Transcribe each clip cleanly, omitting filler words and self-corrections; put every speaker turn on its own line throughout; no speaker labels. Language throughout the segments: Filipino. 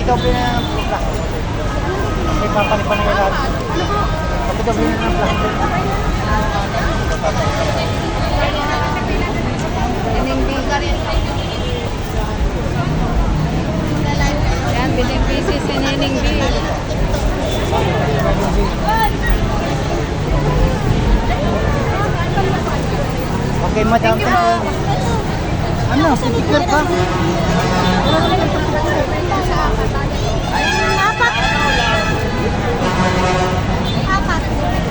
Ikaw pinang plak. May papalit pa na yung lahat. Ikaw pinang plak.
Yan, biling busy si Nining B.
Okay, madam.
Thank you po.
Ano, picture ka?
Apat. Apat.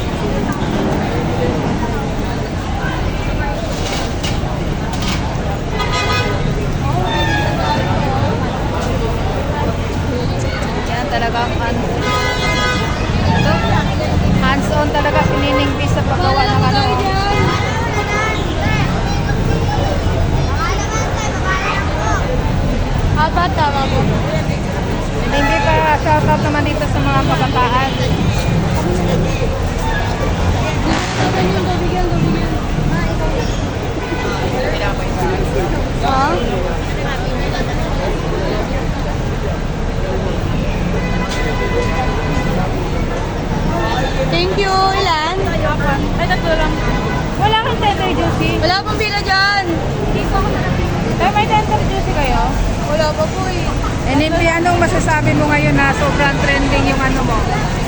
Yan talagang hands-on talaga si Nining B sa paggawa ng ano.
Apat, tama po.
Nining B, para shoutout naman dito sa mga kabataan.
Ha? Thank you. Ilan?
Ay, tatlo lang. Wala kang tender juicy.
Wala pong pila dyan.
Ay, may tender juicy kayo?
Wala pa po eh.
Nining B, anong masasabi mo ngayon na sobrang trending yung ano mo?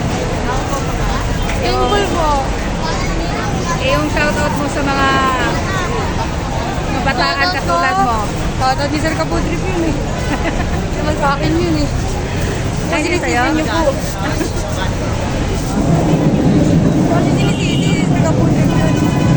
Thankful po.
Yung shoutout mo sa mga kabataan katulad mo.
Shoutout ni Sir Kapudrip yun eh. Naman sa akin yun eh.
Thank you sa'yo.
Sinisisi niyo po. Kasi sinisisi, Sir Kapudrip yun.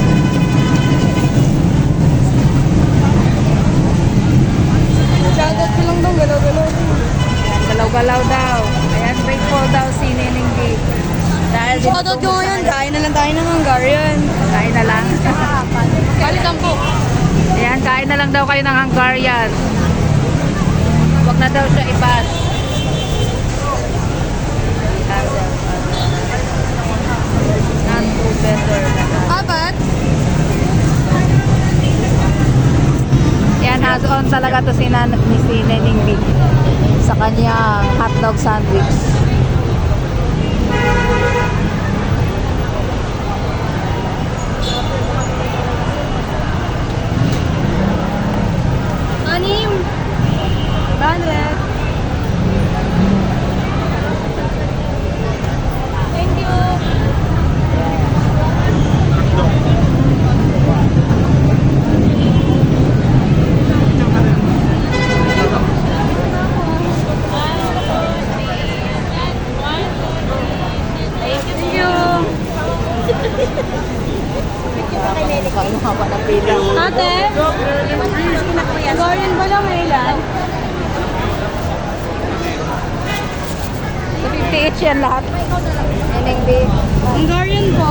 Shoutout ko lang daw, galaw-galaw.
Galaw-galaw daw. Ayan, grateful daw si Nining B. Dahil din
Shoutout ko ngayon, kain na lang tayo ng Hungarian.
kain na lang.
Balikan po.
Ayan, kain na lang daw kayo ng Hungarian. Huwag na daw siya i-bash. Non-food vendor na daw.
Apat?
Yan, hands-on talaga to si Nining B sa kanyang hotdog sandwich.
Anim. 100. Thank you. Thank you.
Ang haba ng pila.
Ate? Hungarian ba lang ilan?
So 50 each yan lahat. Nining B.
Hungarian po.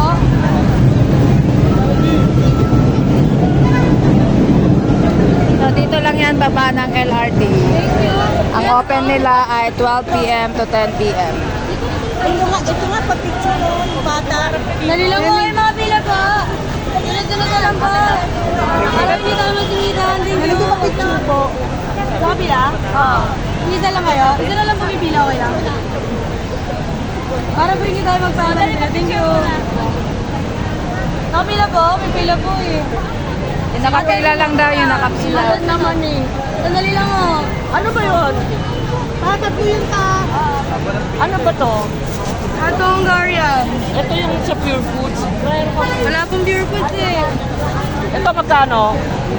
So dito lang yan baba ng LRT.
Thank you.
Ang open nila ay 12 p.m. to 10 p.m.
Ito nga pa-picture noon, bata. Dali lang po, mga pila po. Sunod-sunod na lang po. Alam niyo tayo magsinitahan din yun. Ano ba picture po? Sa kapila? Oo. Isa lang kayo? Isa na lang po may pila, okay lang. Para po hindi tayo magpahan ng pila. Thank you. Nakapila po? May pila po eh.
Yung nakapila lang daw yung nakapila.
Alas naman eh. Sandali lang oh. Ano ba yun? Bakit po yun ka?
Ano ba to?
Ito Hungarian.
Ito yung sa Pure Foods.
Wala pong pure foods eh.
Ito magkano?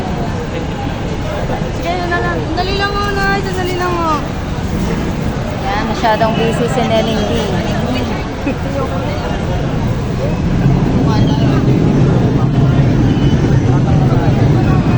Sige, yun na lang. Sandali lang oh, Nay. Sandali lang oh.
Yan, masyadong busy si Nining B.